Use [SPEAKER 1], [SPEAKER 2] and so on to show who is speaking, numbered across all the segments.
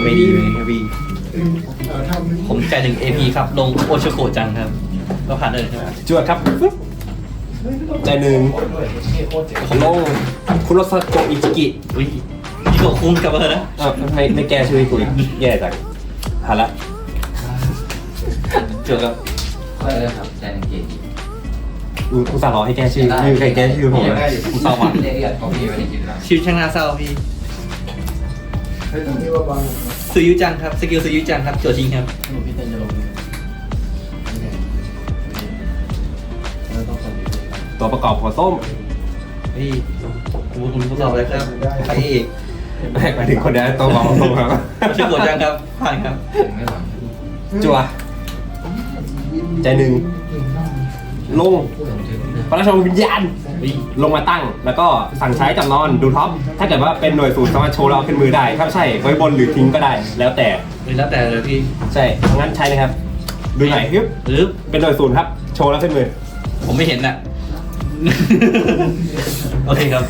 [SPEAKER 1] ไม่ดีเลยครับพี่ผมจ่าย1 AP ครับลงโอชิโกะจังครับก็ผ่านเลยใช่ไหม
[SPEAKER 2] จวดครับใจหนึ่งของลงคุโรซาโกะอิจิกิ
[SPEAKER 1] อุ้ยนี่ก็คุ้มกับเธอนะ
[SPEAKER 2] ไม่แก้ชื่อให้กูอีกแย่จังหาละ
[SPEAKER 1] เจอกับ
[SPEAKER 3] ก็เลยครับใจหนึ่งเกจ
[SPEAKER 2] อุตส่าห์รอให้แก้ชื่อไม่มีใครแก้ชื่อผมเลยกูเศร้าว่ะ
[SPEAKER 3] เรียกของพี่ไปในกิจกรรม
[SPEAKER 1] ชีวิตช่างน่าเศร้าพี่ซื้อยุจังครับสกิลซื้อยุจังครับโจทิ้งครับ
[SPEAKER 4] พี่เต้นจะลง
[SPEAKER 2] ตัวประกอบหัวส้ม
[SPEAKER 1] พี่คุณผู้สอบเลยครับใครเอก
[SPEAKER 2] หมายถึงคนนี้ตัวประกอบหัวส้มครับ
[SPEAKER 1] โอชิโกะจังครับผ่านครับ
[SPEAKER 3] ไม่หวัง
[SPEAKER 2] จัวใจหนึ่งลง
[SPEAKER 3] ส่งถึง
[SPEAKER 2] พระราชวิญญาณลงมาตั้ง แล้วก็สั่งใช้จำนอนดูท็อปถ้าเกิดว่าเป็นหน่วยสูตรสามารถโชว์เราขึ้นมือได้ถ้าไม่ใช่ไว้บนหรือทิ้งก็ได้ แล้วแต่
[SPEAKER 1] แล้วแต่เลยพี่
[SPEAKER 2] ใช่งั้นใช้นะครับ ดูหน่อยฮึบ
[SPEAKER 1] หรือ
[SPEAKER 2] เป็นหน่วยศูนย์ครับ โชว์แล้วขึ้นมือ
[SPEAKER 1] ผมไม่เห็นน่ะ โอเคครับ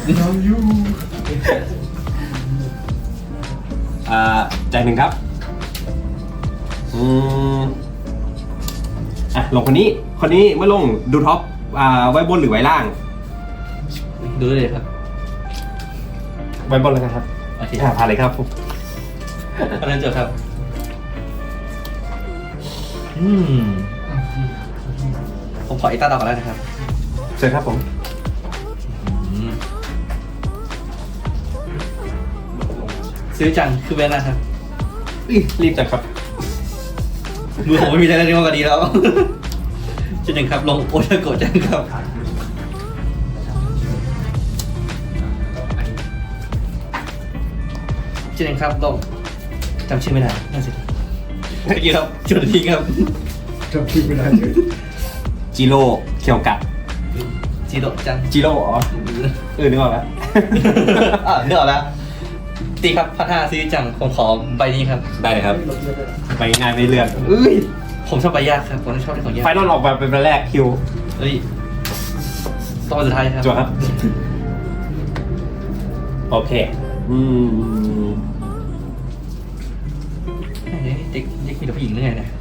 [SPEAKER 2] ใจหนึ่งครับลงคนนี้เมื่อลงดูท็อปไว้บนหรือไว้ล่าง
[SPEAKER 1] ดูได้เลยครับ
[SPEAKER 2] ไว้บนแล้วกันครับ
[SPEAKER 1] โอเค
[SPEAKER 2] ผ่านเลยครับผม
[SPEAKER 1] อันนั้นเจอครับ ผมขออีกตาต่อก่อนแล้วนะครับ
[SPEAKER 2] เชิญครับผม
[SPEAKER 1] ซื้อจังคือแบรนด์นะครับ
[SPEAKER 2] รีบจัดครับ
[SPEAKER 1] มือผมไม่มีอะไรเรียกว่าดีแล้ว เช่นหนึ่งครับลงโอชาโกะจังครับเช่นหนึ่งครับลงจำชื่อไม่ได้น่าสิเมื่อกี้ครับจุดทิ้งครับ
[SPEAKER 4] จำชื่อไม่ได้เลย
[SPEAKER 2] จิโร่เคียวกะ
[SPEAKER 1] จิโร่จัง
[SPEAKER 2] จิโร่อ๋อนึกออกแล้ว
[SPEAKER 1] เนื้ออกแล้วตีครับพัฒนาซื้อจังผมขอใบนี้ครับ
[SPEAKER 2] ได้เลยครับ ไปง่ายไม่เลื่อน
[SPEAKER 1] ผมชอบใบยากครับผมชอบที่ของยาก
[SPEAKER 2] ไฟนอลออกมาเป็นวันแรกคิว
[SPEAKER 1] เฮ้ยต้องมาสุดท้ายครับ
[SPEAKER 2] จัวครับ โอเค
[SPEAKER 1] เด็กมีแต่ผู้หญิงเรื่อยนะ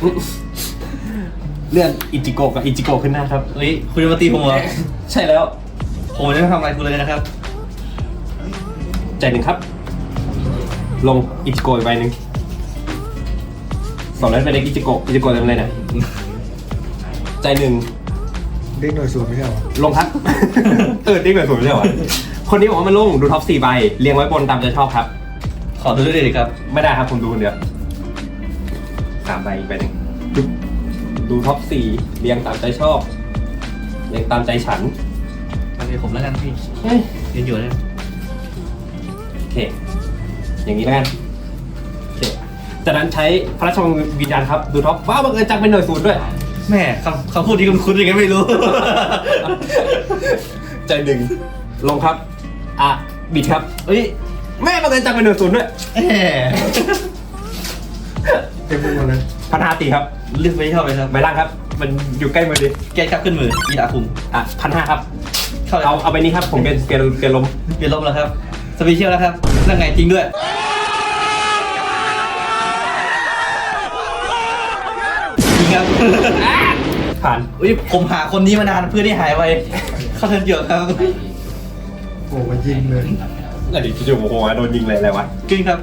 [SPEAKER 2] เลื่อนอิจิโกะกับอิจิโกะขึ้นหน้าครับ
[SPEAKER 1] เฮ้ยคุณจะมาตีผมเหรอ
[SPEAKER 2] ใช่แล้ว
[SPEAKER 1] ผมจะไม่ทำอะไรคุณเลยนะครับ
[SPEAKER 2] ใจหนึ่งครับ ลงอิจิโกะอีกใบหนึ่งสองนั้นเป็นเด็กอิจิโกะเต็มเลยนะใจหนึ่ง
[SPEAKER 4] เด็กหน่วยสูตรไม่ใช่หรอ
[SPEAKER 2] ลงครับ เด็กแบบผมไม่ใช่หรอคนนี้บอกว่ามันลงดูท็อป4ใบเรียงไว้บนตามใจชอบครับ
[SPEAKER 1] ขอดูด้วยเลยครับ
[SPEAKER 2] ไม่ได้ครับผมดูคนเดียว3ใบอีกใบหนึ่งดูท็อป4เรียงตามใจชอบเรียงตามใจฉัน
[SPEAKER 1] มาเป็นผมแล้วกันพี่ยืนอยู่เลย
[SPEAKER 2] โอเค อย่างนี้แล้วกันโอเคจากนั้นใช้พระราชวังวิญญาณครับดูท็อปว้าวบังเอิญจังเป็นหน่วยศูนย์ด้วย
[SPEAKER 1] แม่คำพูดที่คุ้นๆยังไงไม่รู้
[SPEAKER 2] ใจหนึ่งลงครับบิดครับ
[SPEAKER 1] เฮ้ย
[SPEAKER 2] แม่บังเอิญจังเป็นหน่วยศูนย์ด้วย
[SPEAKER 1] แหม
[SPEAKER 4] เต็มไปหมดเลย
[SPEAKER 2] พัฒนาตีครับ
[SPEAKER 1] เลือกไม่ชอบเลยครับ
[SPEAKER 2] ใบล่างครับ มันอยู่ใกล้มือดิ
[SPEAKER 1] แกครับขึ้นมืออีดาคุม
[SPEAKER 2] 1,500ครับ
[SPEAKER 1] เข้าเลย
[SPEAKER 2] เอาใบนี้ครับผมเป็นเปลี่ยนลม
[SPEAKER 1] เปลี่ยนลมแล้วครับสเปเชียลแล้วครับนั่งไงจริงด้วยจริงครับ
[SPEAKER 2] ผ่าน
[SPEAKER 1] อุ้ยผมหาคนนี้มานานเพื่อที่หายไปเข้าเทิร์นเยอะครับ
[SPEAKER 4] โอ้มายิงเลย
[SPEAKER 2] แล้วเดี๋ยวจู่ๆโอ้โหโดนยิงเลยอะไรวะ
[SPEAKER 1] จริงครับ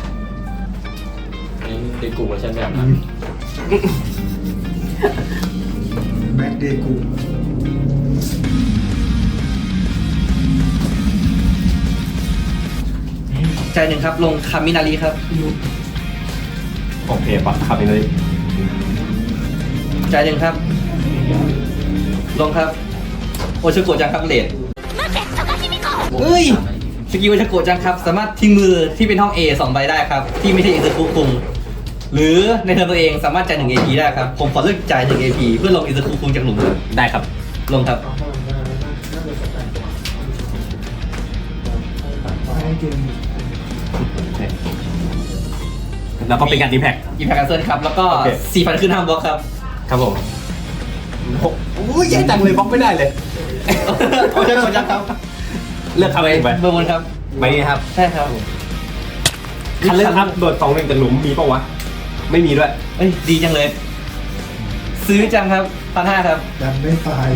[SPEAKER 3] เด็กกลุ่มเวอร์ชันแบบ
[SPEAKER 4] แม็กเดกู
[SPEAKER 1] ใจหนึ่งครับลงคามินารีครับ
[SPEAKER 2] โอเคปัดขับไปเลย
[SPEAKER 1] ใจหนึ่งครับ ลงครับ โอชิโกะจังครับเลดเอ้ย สกิลโอชิโกะจังครับ สามารถทิ้งมือที่เป็นห้อง A 2 ใบได้ครับ ที่ไม่ใช่อินเตอร์คุคุงหรือในเทิร์นตัวเองสามารถจ่าย1 AP ได้ครับ ผมขอเลือกจ่าย1 AP เพื่อลงอินเตอร์คุคุงจากหลุม
[SPEAKER 2] ได้ครับ
[SPEAKER 1] ลงครับ
[SPEAKER 2] แล้วก็เป็นการดีแพ็ก
[SPEAKER 1] อีแพคแคนเซิลครับ แล้วก็
[SPEAKER 2] โอเค
[SPEAKER 1] 4,000 ขึ้นห้ามบล็อกครับ
[SPEAKER 2] ครับผมโอ้ยแย่จังเลยบล็อกไม่ได้เลย
[SPEAKER 1] โอชิโกะจังครับ
[SPEAKER 2] เลือกทำเองไป
[SPEAKER 1] เบอร์บนครับ
[SPEAKER 2] ใบนี้ครับ
[SPEAKER 1] ใช่ครับ
[SPEAKER 2] คันเล่นครับโดด2-1จากหลุมมีปะวะไม่มีด้วย
[SPEAKER 1] เอ้ยดีจังเลย ซื้อจังครับ1,500ครับ
[SPEAKER 4] ดันไม่ตาย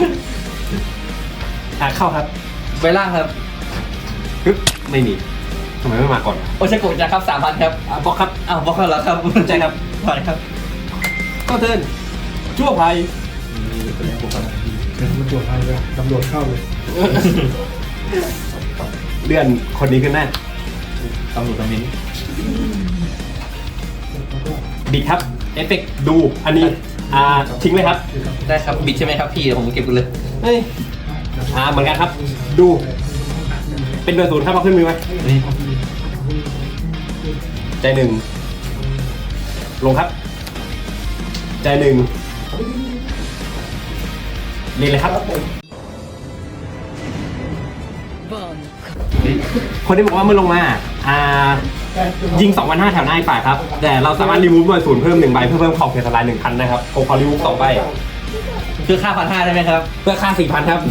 [SPEAKER 2] เข้าครับ
[SPEAKER 1] ไว้ล่างครับ
[SPEAKER 2] ฮึบไม่มีทำไมไม่มาก่อน
[SPEAKER 1] โอชาโกะจังครับ3,000ครับ
[SPEAKER 2] บล็อกครับ
[SPEAKER 1] อ้าวบล็อกแล้วเหรอครับ
[SPEAKER 2] ใช่ครับ
[SPEAKER 1] ผ่านครับ
[SPEAKER 2] ก็เทิร์นชั่วภัย
[SPEAKER 4] เดี๋ยวมันตรวจให้เลยตำรวจเข้าเลย
[SPEAKER 2] เลื่อนคนนี้ขึ้นหน้า
[SPEAKER 1] ตำรวจตำรวจ
[SPEAKER 2] บิดครับเอฟเฟกต์ดูอันนี้ทิ้งเลยครับ
[SPEAKER 1] ได้ครับบิดใช่ไหมครับพี่เดี๋ยวผมเก็บกันเลย
[SPEAKER 2] เฮ้ยเหมือนกันครับ ดูเป็นเบอร์ 0ครับเอาขึ้นมือไหม
[SPEAKER 1] นี่
[SPEAKER 2] ใจหนึ่งลงครับ ใจหนึ่งเรียนเลยครับ คนที่บอกว่าเมื่อลงมายิง 2,500 แถวหน้าอีกฝ่ายครับ แต่เราสามารถรีมูฟหน่วยศูนย์เพิ่ม1ใบเพื่อเพิ่มขอบเขตทลาย 1,000 นะครับโคคอรีมูฟ2ใบ
[SPEAKER 1] คือค่า1,500ได้ไหมครับ
[SPEAKER 2] เพื่อค่า 4,000 ครับ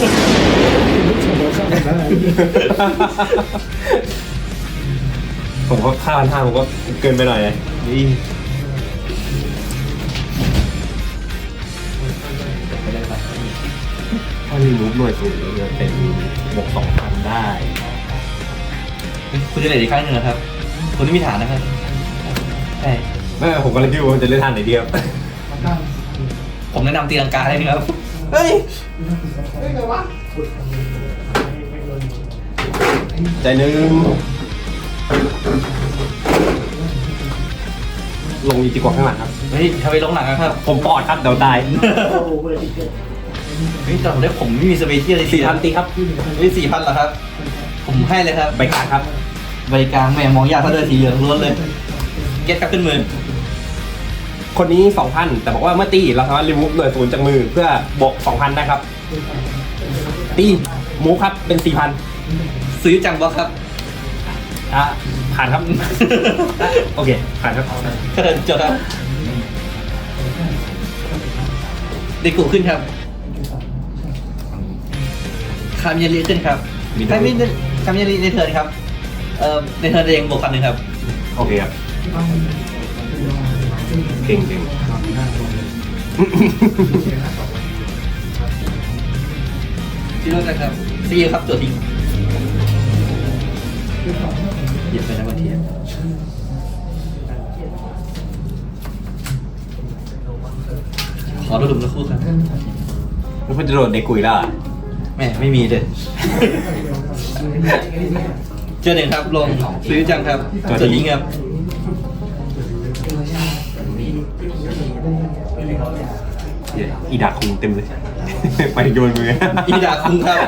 [SPEAKER 2] ผมก็ค่า1,500ผมก็เกินไปหน่อยเลย
[SPEAKER 1] นี่
[SPEAKER 2] ถ้ารีมูฟหน่วยศูนย์จะเป็นบวก 2,000 ได้
[SPEAKER 1] คุณจะเล่นอีกครั้งหนึ่งนะครับคุณไม่มีฐานนะครับใช่
[SPEAKER 2] ไม่ผมก็เลยคิดว่ามันจะเล่นทางไหนดีครับ
[SPEAKER 1] ผมแนะนำตีลังกาให้นะครับ
[SPEAKER 2] เฮ้ยใจหนึ่งลงอีกดีกว่าข้างหลังครับ
[SPEAKER 1] เฮ้ยทำไมลงหลังอะครับ
[SPEAKER 2] ผมปอดครับเดี๋ยวตาย
[SPEAKER 1] เฮ้ยแต่ผมได้ผมไม่มีสเปเชียลเลย
[SPEAKER 2] 4,000ตีครับ
[SPEAKER 1] เฮ้ย4,000เหรอครับ ผมให้เลยครับ
[SPEAKER 2] ใบกลางครับ
[SPEAKER 1] ใบกลางแม่มองยากเขาเดินสีเหลืองล้วนเลย เก็ตครับขึ้นมือ
[SPEAKER 2] คนนี้ 2,000 แต่บอกว่าเมื่อตีเราสามารถรีมูฟหน่วยศูนย์จากมือเพื่อบวก 2,000 ได้ครับ ตีมูฟครับเป็น 4,000
[SPEAKER 1] ซื้อจังบล็อกครับ
[SPEAKER 2] ผ่านครับ โอเคผ่านครับ
[SPEAKER 1] ก็เดินจดครับเดกุขึ้นครับคามิยาริขึ้นครับคามิยาริในเทิร์นครับในเทิร์นเองบวก1,000ครับ
[SPEAKER 2] โอเคครับเก่ง
[SPEAKER 1] ที่รู้จักครับซีครับตัวทิ้งหยิบไปนะบางทีขอระดมสักครู่ครับ
[SPEAKER 2] แล้วคุณจะโดนเด็กกุยแล้วเหรอ
[SPEAKER 1] แม่ไม่มีเลยเจอหนึ่งครับลงซื้อจังครับตัวทิ้งครับ
[SPEAKER 2] อีดาคุงเต็มเลย ไปโยนมือ
[SPEAKER 1] อีดาคุ้งครับ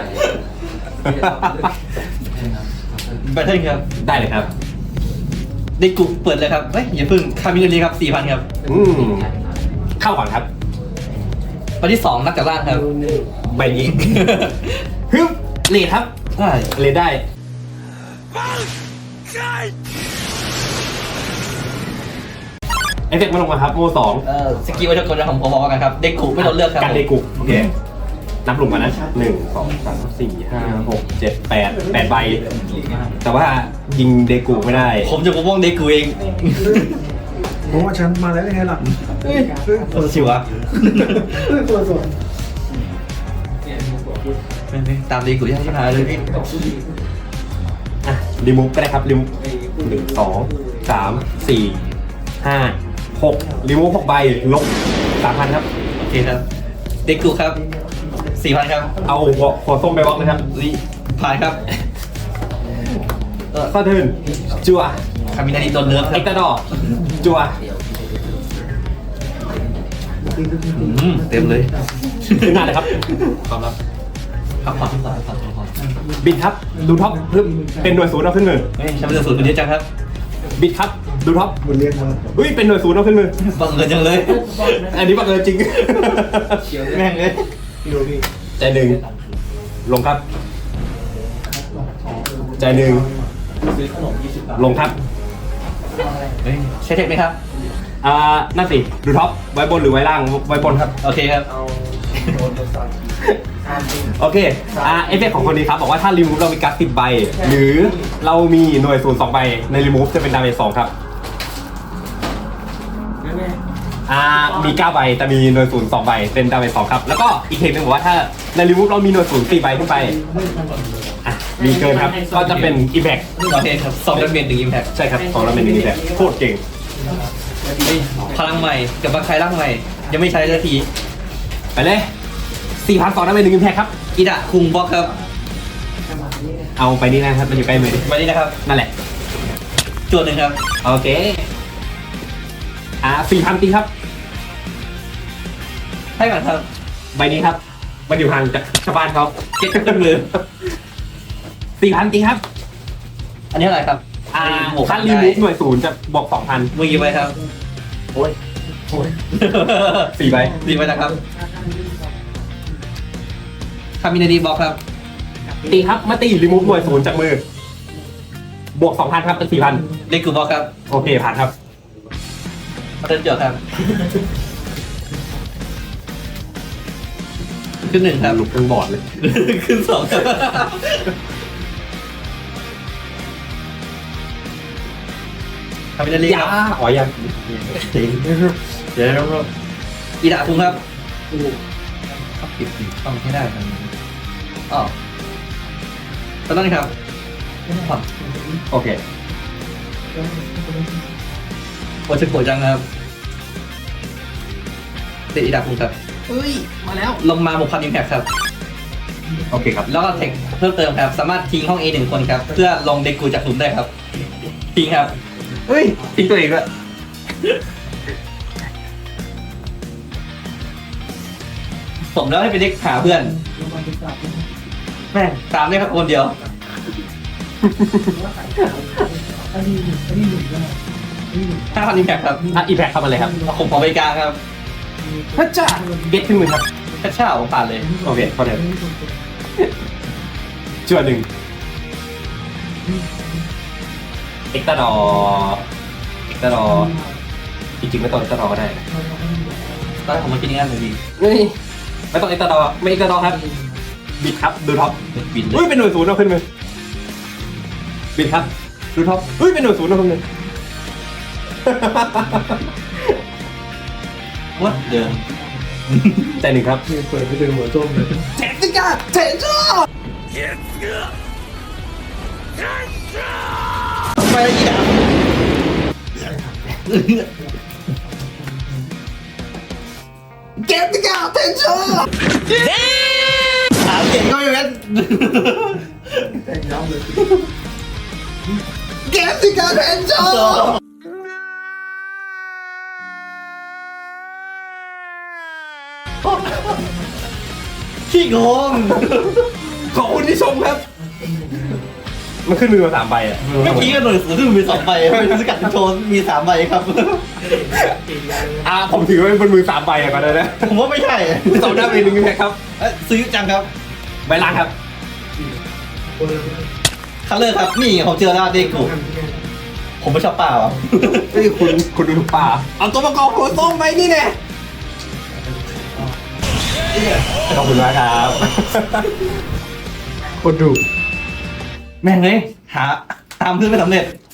[SPEAKER 1] แบทเทิลครับ
[SPEAKER 2] ได้เลยครับ
[SPEAKER 1] เดกุเปิดเลยครับเฮ้ยอย่าเพิ่งคามิยาริครับ4,000ครับ
[SPEAKER 2] เข้าก่อนครับ
[SPEAKER 1] วันที่2นักจากล่างครับ
[SPEAKER 2] ใบนี้ ฮึบเลดครับ
[SPEAKER 1] ใช่
[SPEAKER 2] เลดได้ เอฟเฟกต์มาลงมาครับโม2
[SPEAKER 1] สกิลวัชกรของผมบอกกันครับเดกุไม่โดนเลือกครับ
[SPEAKER 2] กันเดกุโอเค นับหลุมกันนะ1 2 3 4 5 6 7 8ใบ แต่ว่ายิงเดกุไม่ได้
[SPEAKER 1] ผมจะปกป้องเดกุเอง
[SPEAKER 4] ผมว่าฉันมาแล้วยังไงล่ะ
[SPEAKER 1] โอ้ชิวะ
[SPEAKER 4] ตัวสด
[SPEAKER 1] ไม่ตามเดกุยังที่หายเลยพี่
[SPEAKER 2] อ่ะรีมูฟก็ได้ครับรีมูฟ1 2 3 4 5 6รีมูฟ6ใบลบ 3,000 ครับ
[SPEAKER 1] โอเคครับเดกุครับ4,000ครับ
[SPEAKER 2] เอาหัวส้มไปบล็อกนะครับ
[SPEAKER 1] นี่ผ่านครับ
[SPEAKER 2] เข้าเทิร์นจัว
[SPEAKER 1] คามินาริโดนเลือกค
[SPEAKER 2] เอ็
[SPEAKER 1] รับ
[SPEAKER 2] กตาดอร์จัว
[SPEAKER 1] เต็มเลย
[SPEAKER 2] ขึ้นหน้าเลยครับ
[SPEAKER 1] ความลับครับความ
[SPEAKER 2] บิดครับดูท็อปเพิ่มเป็นหน่วยศูนย์เอาขึ้นมือ
[SPEAKER 1] เฮ้ยฉันเป็นศูนย์คนเดียวจังครับ
[SPEAKER 2] บิดครับดูท็อป
[SPEAKER 4] มันเรียกมา
[SPEAKER 2] เฮ้ยเป็นหน่วยศูนย์เอาขึ้นมือ
[SPEAKER 1] บังเอิญจังเลย
[SPEAKER 2] อันนี้บังเอิญจริง
[SPEAKER 1] แม่งเลย
[SPEAKER 4] พี่โรบี้
[SPEAKER 2] ใจหนึ่งลงครับ ใจหนึ่งลงครับ
[SPEAKER 1] เฮ้ยใช้เทคไหมครับ
[SPEAKER 2] นั่นสิดูท็อปไว้บนหรือไว้ล่างไว้บนครับ
[SPEAKER 1] โอเคครับ
[SPEAKER 2] โอเคเอฟเฟกต์ของคนนี้ครับบอกว่าถ้ารีมูฟเรามีการ์ด10 ใบ หรือเรามีหน่วยศูนย์2 ใบในรีมูฟจะเป็นดาเมจ2ครับมี 9 ใบแต่มีหน่วยศูนย์2 ใบเป็นดาเมจ2ครับแล้วก็อีกเทคนึงบอกว่าถ้าในรีมูฟเรามีหน่วยศูนย์4 ใบขึ้นไปมีเกินครับก็จะเป็นอิมแพค
[SPEAKER 1] โอเคครับ2ดาเมจ1 impact
[SPEAKER 2] ใช่ครับ2แล้วเป็นอิมแพคโคตรเก่ง
[SPEAKER 1] พลังใหม่กับบางใครร่างใหม่ ยังไม่ใช้สักที
[SPEAKER 2] ไปเลย4,200แล้วเป็น1อิมแพคครับ
[SPEAKER 1] อิดะคุงบล็อกครับ
[SPEAKER 2] เอาไปนี่นะครับมันอยู่ใกล้มือดิ
[SPEAKER 1] มานี่นะครับ
[SPEAKER 2] นั่นแหละ
[SPEAKER 1] จวดหนึ่งครับ
[SPEAKER 2] โอเค4,000ตีครับ
[SPEAKER 1] ให้ก่อนครับ
[SPEAKER 2] ใบนี้ครับ มันอยู่ห่างจากชาวบ้านเขา
[SPEAKER 1] เก็ตขึ้นมือ
[SPEAKER 2] 4,000ตีครับ
[SPEAKER 1] อันนี้อะไรครับ
[SPEAKER 2] ถ้ารีมูฟหน่วยศูนย์จะบวก 2,000
[SPEAKER 1] มือกี่ใบครับ
[SPEAKER 2] โอ้ย4 ใบ
[SPEAKER 1] 4 ใบนะครับคามินาดีบล็อกครับ
[SPEAKER 2] ตีครับมาตีรีมูฟหน่วยศูนย์จากมือบวก 2,000 ครับเป็น 4,000
[SPEAKER 1] เด็กกูบล็อกครับ
[SPEAKER 2] โอเคผ่านครับ
[SPEAKER 1] มาเติมจวดครับขึ้น1ครับ
[SPEAKER 2] ลุกทั้งบอร์ดเลย
[SPEAKER 1] ขึ้น2ครับคามินาดีครับ
[SPEAKER 2] อ๋อยัง
[SPEAKER 1] เดี๋ยวอีดาคุงครับปิดต้องให้ได้ครับอ๋อตอนนั้นครับ
[SPEAKER 2] โอเค
[SPEAKER 1] โอชิโกะจังครับเตะอีดาคุงครับ
[SPEAKER 2] เฮ้ย มาแล้ว
[SPEAKER 1] ลงมา6,000 impact ครับ
[SPEAKER 2] โอเคครับ
[SPEAKER 1] แล้วก็เทคเพิ่มเติมครับ สามารถทิ้งห้อง A 1 คนครับ เพื่อลงเด็กกูจากหลุมได้ครับ ทิ้งครับ
[SPEAKER 2] เฮ้ยทิ้งตัวเองด้วย
[SPEAKER 1] สมแล้วให้เป็นเด็กหาเพื่อน แม่งตามได้ครับคนเดียว 5,000 impact ครับ
[SPEAKER 2] อีแพคเข้ามาเลยครับ
[SPEAKER 1] ผมขอไปกลางครับ
[SPEAKER 2] พระเจ้าเก็ตขึ้นมือครับ
[SPEAKER 1] แค่เช่าผมผ่านเลย
[SPEAKER 2] โอเคพอเดี๋ยวชั่วหนึ่งเอ็กตาดอจริงๆไม่ต้องเอ็กตาดอก็ได้
[SPEAKER 1] ตอนแรกผมมาคิดอย่างนั้นเลยดี
[SPEAKER 2] ไม่ต้องเอ็กตาดอไม่เอ็กตาดอครับบิดครับดูท็อป
[SPEAKER 1] บินเล
[SPEAKER 2] เฮ้ย
[SPEAKER 1] ย
[SPEAKER 2] เป็นหน่วยศูนย์เอาขึ้นมือบิดครับดูท็อปเฮ้ยเป็นหน่วยศูนย์เอาขึ้นมือ
[SPEAKER 1] วัดเดิม
[SPEAKER 2] ใจหนึ่งครับ
[SPEAKER 4] นี่เปิดไปเจอหัวส้มเลย
[SPEAKER 2] เจ็ดสิกาเจ็ดจ้า
[SPEAKER 1] ไปอีดาเก็บสิกาเทนชั่นถามเก่งก็อย่างนั้น
[SPEAKER 4] แต่งย้ำเลย
[SPEAKER 1] เก็บสิกาเทนชั่นขี้งง
[SPEAKER 2] ขอบคุณที่ชมครับ มันขึ้นมือมา3 ใบอ่ะ
[SPEAKER 1] เมื่อกี้ก็หน่วยสูงขึ้นมี2 ใบเป็นสกัดโชนมี3 ใบครับ
[SPEAKER 2] ผมถือว่าเป็นบนมือ3 ใบอ่ะก่อนเลยนะ
[SPEAKER 1] ผมว่าไม่ใช่
[SPEAKER 2] สองหน้าเป็นหนึ่งครับ
[SPEAKER 1] ซื้อจังครับ
[SPEAKER 2] ใบล่างครับ
[SPEAKER 1] คัลเลอร์ครับ นี่ผมเจอแล้วเด็กกูผมไม่ชอบป่าอ่ะ
[SPEAKER 2] เฮ้ยคุณดูป่าเอาตัวประกอบหัวส้มไปนี่แน่ขอบคุณมากครับ
[SPEAKER 4] คนดู
[SPEAKER 1] แม่งเลยหาตามเพื่อนไม่สำเร็จ